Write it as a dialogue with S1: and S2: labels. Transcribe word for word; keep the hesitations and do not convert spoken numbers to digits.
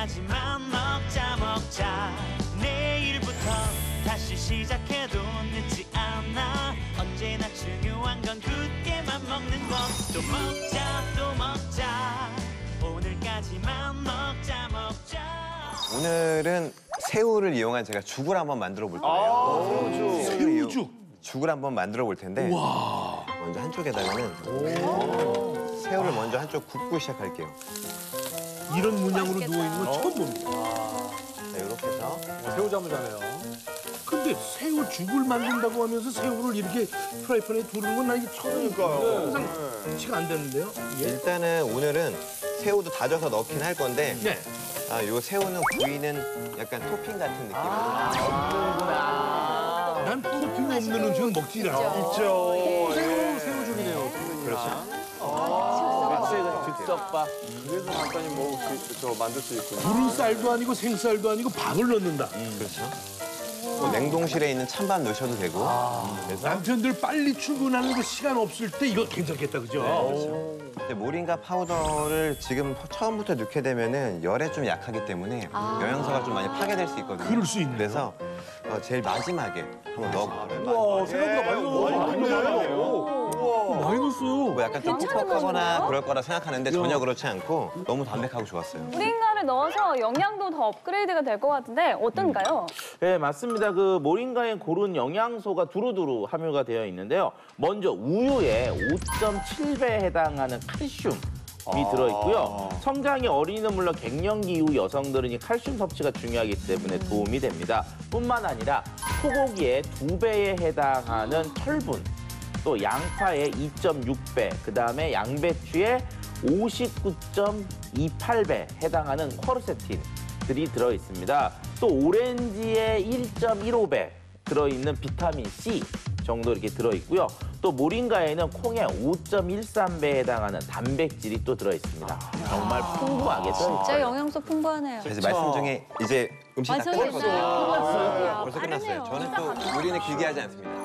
S1: 오늘까지만 먹자 먹자. 내일부터 다시 시작해도 늦지 않아. 언제나 중요한 건 굳게만 먹는 것. 또 먹자 또 먹자. 오늘까지만 먹자 먹자.
S2: 오늘은 새우를 이용한 제가 죽을 한번 만들어 볼 거예요.
S3: 새우죽. 새우죽.
S2: 죽을 한번 만들어 볼 텐데
S3: 와.
S2: 먼저 한쪽에다가는 새우를 먼저 한쪽 굽고 시작할게요.
S3: 이런 문양으로 누워있는 건 처음 봅니다.
S2: 자, 이렇게 해서
S4: 새우잠을자네요.
S3: 근데 새우죽을 만든다고 하면서 새우를 이렇게 프라이팬에 두르는 건 나 이게 처음이니까요. 항상 치가 안 되는데요. 예.
S2: 일단은 오늘은 새우도 다져서 넣긴 할 건데
S3: 네.
S2: 아, 요 새우는 구이는 약간 토핑 같은 느낌으로
S3: 난 토핑 없는 음식은 먹지 않아.
S4: 있죠.
S3: 새우,
S4: 새우죽이네요.
S2: 그렇죠.
S4: 즉석밥. 그래서 간단히 먹을 수 있, 저 만들 수 있군요.
S3: 부른 쌀도 아니고 생쌀도 아니고 밥을 넣는다.
S2: 그렇죠. 뭐 냉동실에 있는 찬밥 넣으셔도 되고 그래서
S3: 남편들 빨리 출근하는 거 시간 없을 때 이거 괜찮겠다, 그죠?
S2: 이제 모링가 파우더를 지금 처음부터 넣게 되면은 열에 좀 약하기 때문에 영양소가 좀 많이 파괴될 수 있거든요.
S3: 그럴 수 있네요.
S2: 그래서 어, 제일 마지막에 한번 넣어볼게요.
S4: 와, 생각보다 많이 넣어.
S3: 많이 넣었어요.
S2: 뭐 약간 좀 퍽퍽하거나 그럴 거라 생각하는데 전혀 그렇지 않고 너무 담백하고 좋았어요.
S5: 모링가를 넣어서 영양도 더 업그레이드가 될 것 같은데 어떤가요?
S6: 네, 맞습니다. 그 모링가에 고른 영양소가 두루두루 함유가 되어 있는데요. 먼저 우유에 오 점 칠 배에 해당하는 칼슘이 들어있고요. 성장이 어린이는 물론 갱년기 이후 여성들은 이 칼슘 섭취가 중요하기 때문에 도움이 됩니다. 뿐만 아니라 소고기의 두 배에 해당하는 철분, 또 양파의 이 점 육 배, 그다음에 양배추의 오십구 점 이팔 배 해당하는 쿼르세틴들이 들어있습니다. 또 오렌지의 일 점 일오 배 들어있는 비타민 C 정도 이렇게 들어있고요. 또 모링가에는 콩의 오 점 일삼 배에 해당하는 단백질이 또 들어있습니다. 정말 풍부하게 들어있어요.
S5: 진짜 영양소 풍부하네요.
S2: 이제 말씀 중에 이제 음식 다 끝났거든요.
S5: 완성했어요.
S2: 벌써 끝났어요. 저는 또 요리는 길게 하지 않습니다.